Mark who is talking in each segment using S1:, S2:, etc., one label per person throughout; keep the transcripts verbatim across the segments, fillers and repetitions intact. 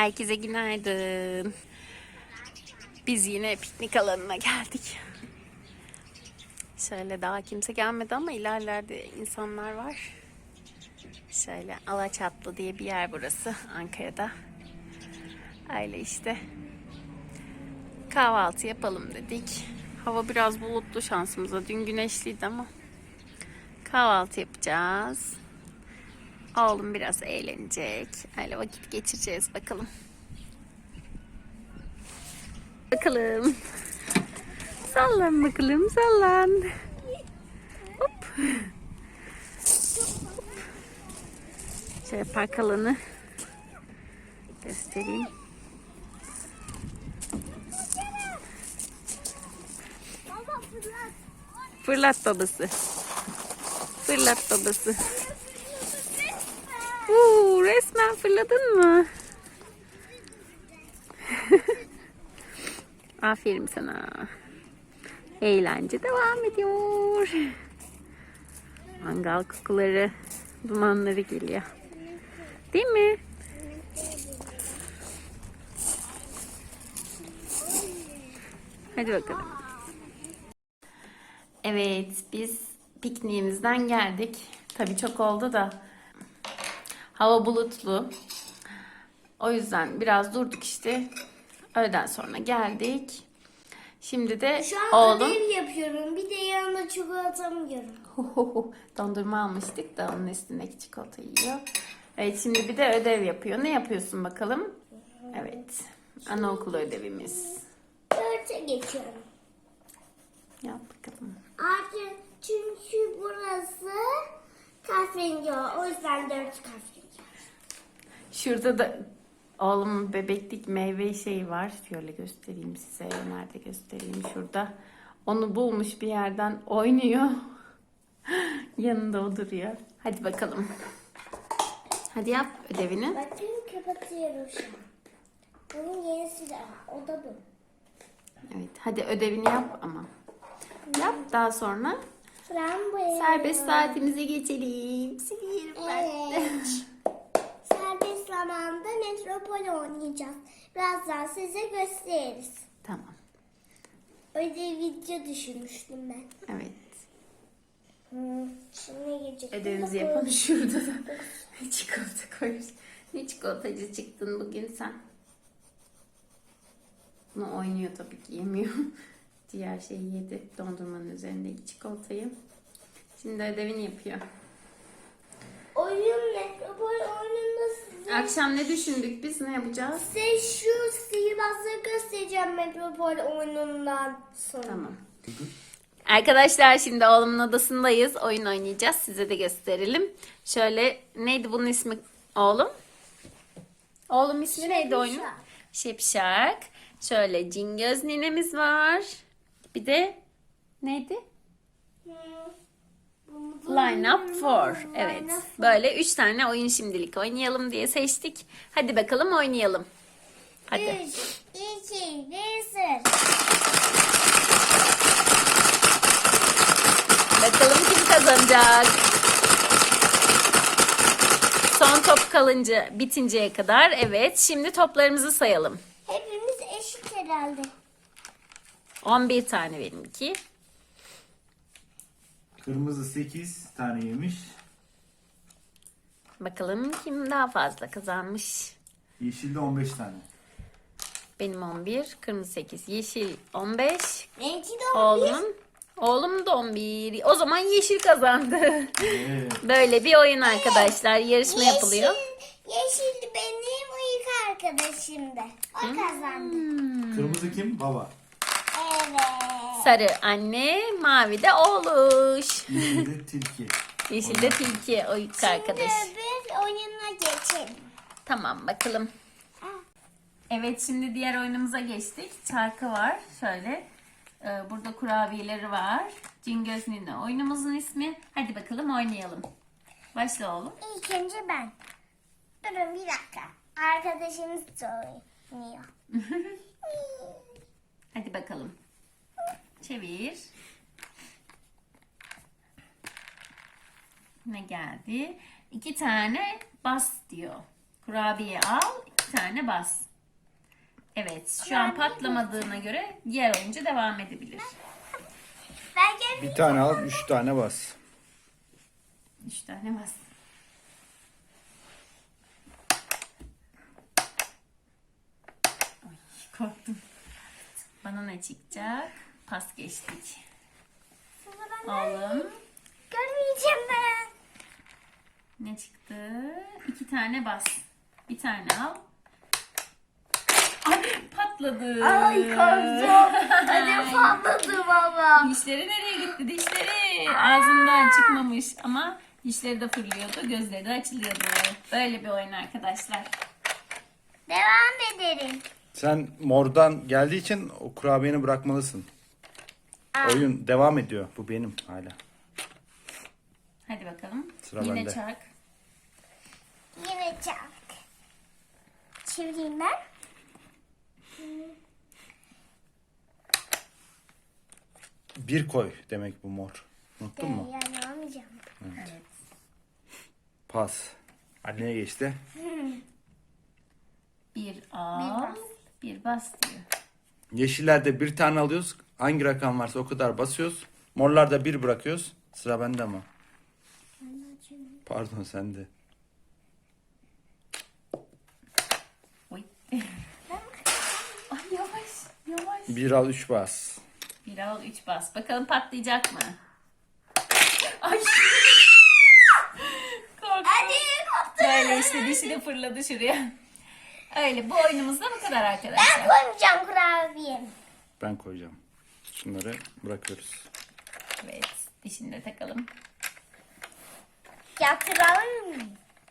S1: Herkese günaydın. Biz yine piknik alanına geldik. Şöyle daha kimse gelmedi ama ilerlerde insanlar var. Şöyle Alaçatlı diye bir yer burası Ankara'da. Öyle işte. Kahvaltı yapalım dedik. Hava biraz bulutlu şansımıza. Dün güneşliydi ama. Kahvaltı yapacağız. Oğlum biraz eğlenecek. Öyle vakit geçireceğiz bakalım. Bakalım. Sallan bakalım, sallan. Hop. Şöyle park alanı göstereyim. Fırlat babası. Fırlat babası. Uuu, resmen fırladın mı? Aferin sana. Eğlence devam ediyor. Mangal kokuları, dumanları geliyor. Değil mi? Hadi bakalım. Evet, biz pikniğimizden geldik. Tabii çok oldu da hava bulutlu. O yüzden biraz durduk işte. Öğleden sonra geldik. Şimdi de
S2: Şu an
S1: oğlum...
S2: ödev yapıyorum. Bir de yanına çikolatamı yiyorum.
S1: Dondurma almıştık da onun üstündeki çikolata yiyor. Evet, şimdi bir de ödev yapıyor. Ne yapıyorsun bakalım? Evet. Anaokulu ödevimiz.
S2: Dörte geçiyorum.
S1: Yap bakalım.
S2: Artık çünkü burası kahverengi o. O yüzden dört kahverengi.
S1: Şurada da oğlumun bebeklik meyve şeyi var. Şöyle göstereyim size. Nerede göstereyim? Şurada. Onu bulmuş bir yerden oynuyor. Yanında o duruyor. Hadi bakalım. Hadi yap ödevini.
S2: Bakın kapatıyorum şu an. Bunun yenisi de o da bu.
S1: Evet, hadi ödevini yap ama. Yap, daha sonra
S2: Frambuya.
S1: serbest saatimize geçelim. Siliyorum ben de.
S2: Evet. Serbest zamanda metropol oynayacağız. Birazdan size gösteririz.
S1: Tamam.
S2: Öyle video düşünmüştüm ben.
S1: Evet.
S2: Hmm. Şimdi gelecek.
S1: Ödevimizi yapalım. Şurada da çikolata koyuyoruz. Ne çikolatacı çıktın bugün sen? Bunu oynuyor tabii ki, yemiyor. Diğer şeyi yedi. Dondurmanın üzerindeki çikolatayı. Şimdi ödevini yapıyor.
S2: Oyun metropol oyununda size,
S1: Akşam ne düşündük biz? Ne yapacağız?
S2: size şu sihirbazları göstereceğim metropol oyunundan sonra.
S1: Tamam. Arkadaşlar şimdi oğlumun odasındayız. Oyun oynayacağız. Size de gösterelim. Şöyle, neydi bunun ismi oğlum? Oğlum ismi neydi oyunun? Şipşak. Şöyle Cingöz ninemiz var. Bir de neydi? Line up four. Evet. Böyle üç tane oyun şimdilik oynayalım diye seçtik. Hadi bakalım oynayalım. Hadi.
S2: üç, iki, bir, sıfır.
S1: Bakalım kim kazanacak? Son top kalınca, bitinceye kadar. Evet. Şimdi toplarımızı sayalım.
S2: Hepimiz eşit herhalde.
S1: on bir tane benimki.
S3: Kırmızı sekiz tane yemiş.
S1: Bakalım kim daha fazla kazanmış.
S3: Yeşilde on beş tane.
S1: Benim on bir, kırmızı sekiz, yeşil on beş.
S2: Benimki de on bir.
S1: Oğlumun, oğlum da on bir. O zaman yeşil kazandı.
S3: Evet.
S1: Böyle bir oyun arkadaşlar. Yarışma yapılıyor.
S2: Yeşil benim ilk arkadaşımdı. O kazandı.
S3: Kırmızı kim? Baba.
S2: Evet.
S1: Sarı anne, mavi de oğluş.
S3: Yeşilde tilki.
S1: Yeşil de tilki o ilk arkadaş.
S2: Şimdi öbür oyuna geçelim.
S1: Tamam bakalım. Evet, şimdi diğer oyunumuza geçtik. Çarkı var. Şöyle. Ee, burada kurabiyeleri var. Cingöz Nine oyunumuzun ismi. Hadi bakalım oynayalım. Başla oğlum.
S2: İlk önce ben. Durun bir dakika. Arkadaşımız da oynuyor.
S1: Hadi bakalım. Çevir. Ne geldi? İki tane bas diyor. Kurabiye al. iki tane bas. Evet, şu an patlamadığına göre diğer oyuncu devam edebilir.
S2: Ben gelmeyeceğim.
S3: Bir tane al, üç tane bas.
S1: Üç tane bas. Ay, korktum. Bana ne çıkacak? Pas geçtik.
S2: Sıra bende.
S1: Oğlum
S2: Görmeyeceğim ben.
S1: ne çıktı? İki tane bas. Bir tane al. Ay patladı.
S2: Ay korktum. Hadi patladı baba.
S1: Dişleri nereye gitti? Dişleri ağzından çıkmamış ama dişleri de fırlıyordu, gözleri de açılıyordu. Böyle bir oyun arkadaşlar.
S2: Devam edelim.
S3: Sen mordan geldiği için o kurabiyeni bırakmalısın.
S2: Aa.
S3: Oyun devam ediyor. Bu benim hala.
S1: Hadi bakalım.
S3: Sıra
S1: Yine
S3: bende.
S1: çark.
S2: Yine çak. Çevireyim ben.
S3: Bir koy demek bu mor. Unuttun mu?
S2: Yani almayacağım.
S1: Evet.
S3: Pas. Anneye geçti.
S1: Bir al,
S2: bas.
S1: bir bas diyor.
S3: Yeşillerde bir tane alıyoruz. Hangi rakam varsa o kadar basıyoruz. Morlarda bir bırakıyoruz. Sıra bende ama. Pardon sende.
S1: Oy. Ay yavaş, yavaş.
S3: Bir al, üç bas.
S1: Bir al, üç bas. Bakalım patlayacak mı? Ay. Korktum.
S2: Hadi koptu.
S1: Böyle işte dişi de fırladı şuraya. Öyle bu oyunumuz da bu kadar
S2: Ben
S1: arkadaşlar.
S2: koymayacağım kurabiyemi.
S3: Ben koyacağım. Şunları bırakıyoruz.
S1: Evet, dişini de takalım.
S2: Yatıralım mı?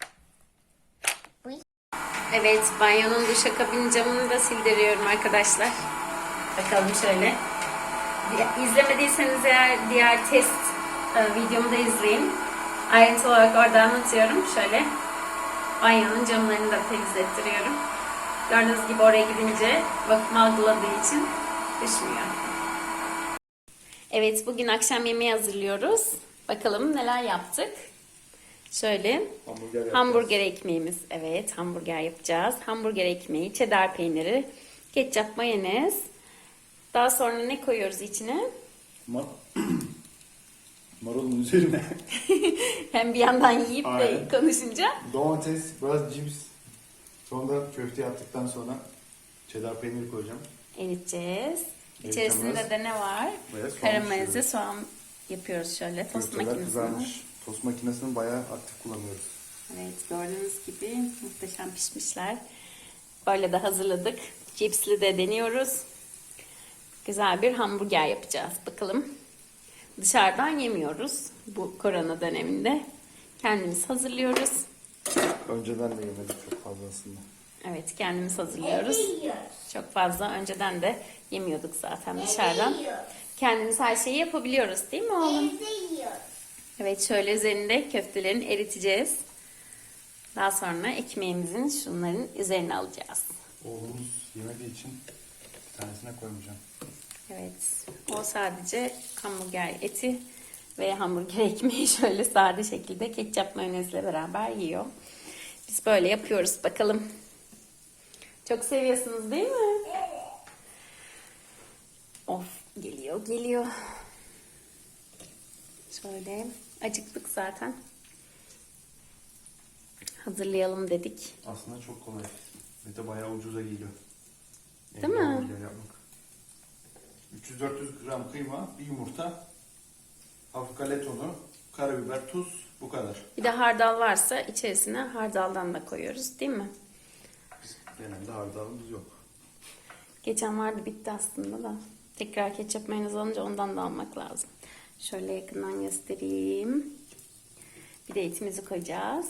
S1: Evet, banyonun duşakabin camını da sildiriyorum arkadaşlar. Bakalım şöyle. Di- İzlemediyseniz eğer diğer test e, videomu da izleyin. Ayrıntı olarak orada anlatıyorum. Şöyle banyonun camlarını da temizlettiriyorum. Gördüğünüz gibi oraya gidince vakum algıladığı için düşmüyor. Evet, bugün akşam yemeği hazırlıyoruz. Bakalım neler yaptık. Şöyle
S3: Hamburger yapacağız.
S1: hamburger ekmeğimiz. Evet, hamburger yapacağız. Hamburger ekmeği, cheddar peyniri, ketçap, mayonez. Daha sonra ne koyuyoruz içine?
S3: Mar Marulun üzerine
S1: Hem bir yandan yiyip de
S3: Aynen.
S1: konuşunca.
S3: domates, biraz cips. Sonra köfte yaptıktan sonra cheddar peyniri koyacağım.
S1: Eriteceğiz.
S3: Eriteceğiz.
S1: İçerisinde de ne var?
S3: Ve soğan
S1: Karamelize
S3: pişiriyoruz.
S1: soğan yapıyoruz şöyle. Tost
S3: Köfteler
S1: makinesinde.
S3: kızarmış. Tost makinesini bayağı aktif kullanıyoruz.
S1: Evet, gördüğünüz gibi muhteşem pişmişler. Böyle de hazırladık. Cipsli de deniyoruz. Güzel bir hamburger yapacağız. Bakalım. Dışarıdan yemiyoruz bu korona döneminde. Kendimiz hazırlıyoruz.
S3: Önceden de yemedik çok fazla aslında.
S1: Evet, kendimiz hazırlıyoruz.
S2: Evde yiyoruz.
S1: Çok fazla önceden de yemiyorduk zaten dışarıdan.
S2: Evde yiyoruz.
S1: Kendimiz her şeyi yapabiliyoruz değil mi oğlum?
S2: Evde yiyoruz.
S1: Evet, şöyle üzerinde köftelerini eriteceğiz. Daha sonra ekmeğimizin şunların üzerine alacağız.
S3: Oğlumuz yemediği için bir tanesine koymayacağım.
S1: Evet, o sadece hamburger eti ve hamburger ekmeği şöyle sade şekilde ketçap mayonezle beraber yiyor. Biz böyle yapıyoruz bakalım. Çok seviyorsunuz değil mi? Of, geliyor geliyor. Şöyle acıktık zaten. Hazırlayalım dedik.
S3: Aslında çok kolay. Ve de bayağı ucuza geliyor.
S1: Değil mi?
S3: hamburger yapmak. üç yüz dört yüz gram kıyma, bir yumurta, hafif galeta unu, karabiber, tuz, bu kadar.
S1: Bir de hardal varsa içerisine hardaldan da koyuyoruz değil mi?
S3: Biz genelde hardalımız yok.
S1: Geçen vardı bitti aslında da. Tekrar ketçap mayonez alınca ondan da almak lazım. Şöyle yakından göstereyim. Bir de etimizi koyacağız.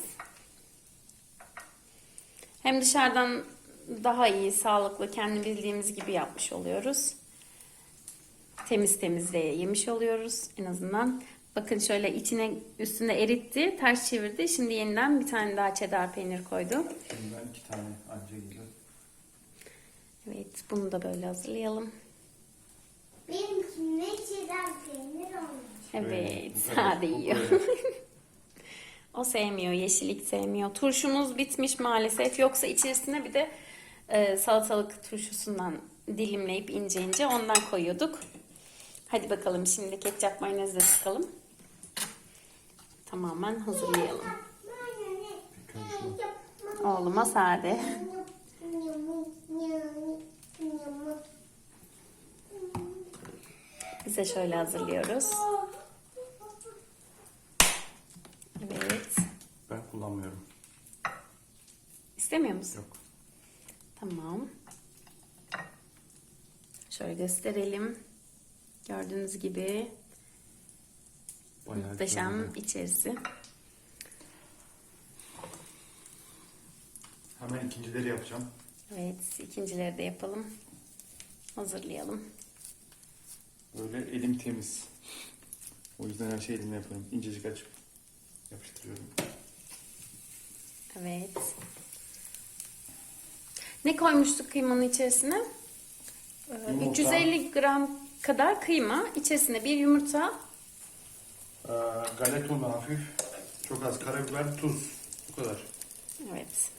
S1: Hem dışarıdan daha iyi, sağlıklı, kendi bildiğimiz gibi yapmış oluyoruz. Temiz temiz de yemiş oluyoruz en azından. Bakın şöyle içine üstünde eritti, ters çevirdi. Şimdi yeniden bir tane daha cheddar peynir koydu.
S3: Şimdi ben iki tane anca geliyor.
S1: Evet, bunu da böyle hazırlayalım.
S2: Benimkine çiğdem peynir olmuş.
S1: Evet,
S3: Evet, bu kadar.
S1: sade
S3: Bu
S1: yiyor.
S3: kadar.
S1: O sevmiyor, yeşillik sevmiyor. Turşumuz bitmiş maalesef. Yoksa içerisine bir de e, salatalık turşusundan dilimleyip ince ince ondan koyuyorduk. Hadi bakalım şimdi ketçap mayonezle sıkalım. Tamamen hazırlayalım. Oğluma sade. Bize şöyle hazırlıyoruz. Evet.
S3: Ben kullanmıyorum.
S1: İstemiyor musun?
S3: Yok.
S1: Tamam. Şöyle gösterelim. Gördüğünüz gibi
S3: Bayağı
S1: muhteşem
S3: güzel oldu.
S1: içerisi.
S3: Hemen ikincileri yapacağım.
S1: Evet, ikincileri de yapalım. Hazırlayalım.
S3: Böyle elim temiz. O yüzden her şeyi elimle yapıyorum. İncecik açıp yapıştırıyorum.
S1: Evet. Ne koymuştuk kıymanın içerisine? Ee,
S3: Yumurta.
S1: üç yüz elli gram kadar kıyma. İçerisine bir yumurta.
S3: Ee, galeta unu hafif. Çok az karabiber, tuz. Bu kadar.
S1: Evet.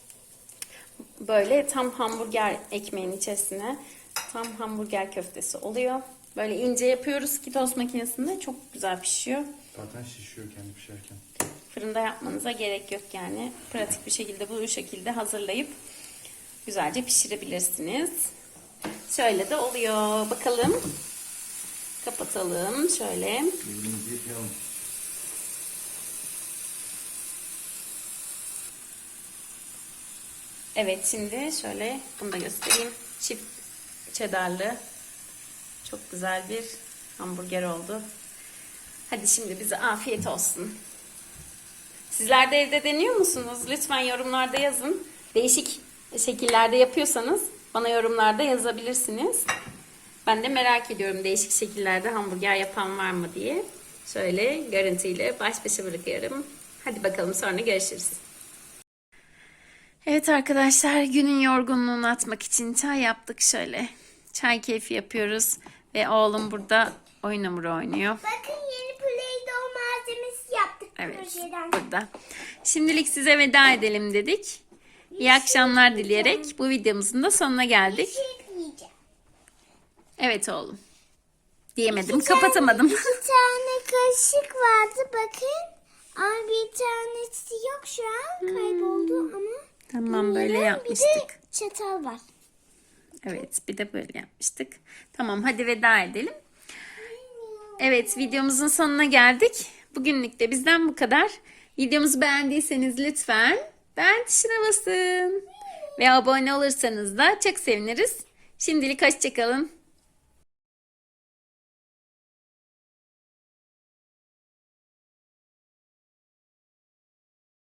S1: Böyle tam hamburger ekmeğin içerisine tam hamburger köftesi oluyor. Böyle ince yapıyoruz ki tost makinesinde çok güzel pişiyor.
S3: Zaten şişiyor kendi pişerken.
S1: Fırında yapmanıza gerek yok yani. Pratik bir şekilde bu şekilde hazırlayıp güzelce pişirebilirsiniz. Şöyle de oluyor. Bakalım. Kapatalım şöyle.
S3: Elimizi yapalım.
S1: Evet, şimdi şöyle bunu da göstereyim. Çift cheddarlı çok güzel bir hamburger oldu. Hadi şimdi bize afiyet olsun. Sizler de evde deniyor musunuz? Lütfen yorumlarda yazın. Değişik şekillerde yapıyorsanız bana yorumlarda yazabilirsiniz. Ben de merak ediyorum değişik şekillerde hamburger yapan var mı diye. Şöyle görüntüyle baş başa bırakıyorum. Hadi bakalım sonra görüşürüz. Evet arkadaşlar, günün yorgunluğunu atmak için çay yaptık şöyle. Çay keyfi yapıyoruz ve oğlum burada oyun hamuru oynuyor.
S2: Bakın yeni Play-Doh malzemesi yaptık
S1: Evet,
S2: projeden.
S1: burada. Şimdilik size veda edelim dedik. İyi akşamlar dileyerek bu videomuzun da sonuna geldik.
S2: Bir şey diyeceğim.
S1: Evet oğlum. Diyemedim,
S2: İki tane-
S1: kapatamadım.
S2: İki tane kaşık vardı bakın. Ama bir tanesi yok şu an. Kayboldu ama.
S1: Tamam, böyle
S2: bilmiyorum.
S1: yapmıştık.
S2: Bir de çatal var.
S1: Evet, bir de böyle yapmıştık. Tamam, hadi veda edelim. Evet, videomuzun sonuna geldik. Bugünlük de bizden bu kadar. Videomuzu beğendiyseniz lütfen beğen tuşuna basın. Ve abone olursanız da çok seviniriz. Şimdilik hoşça kalın.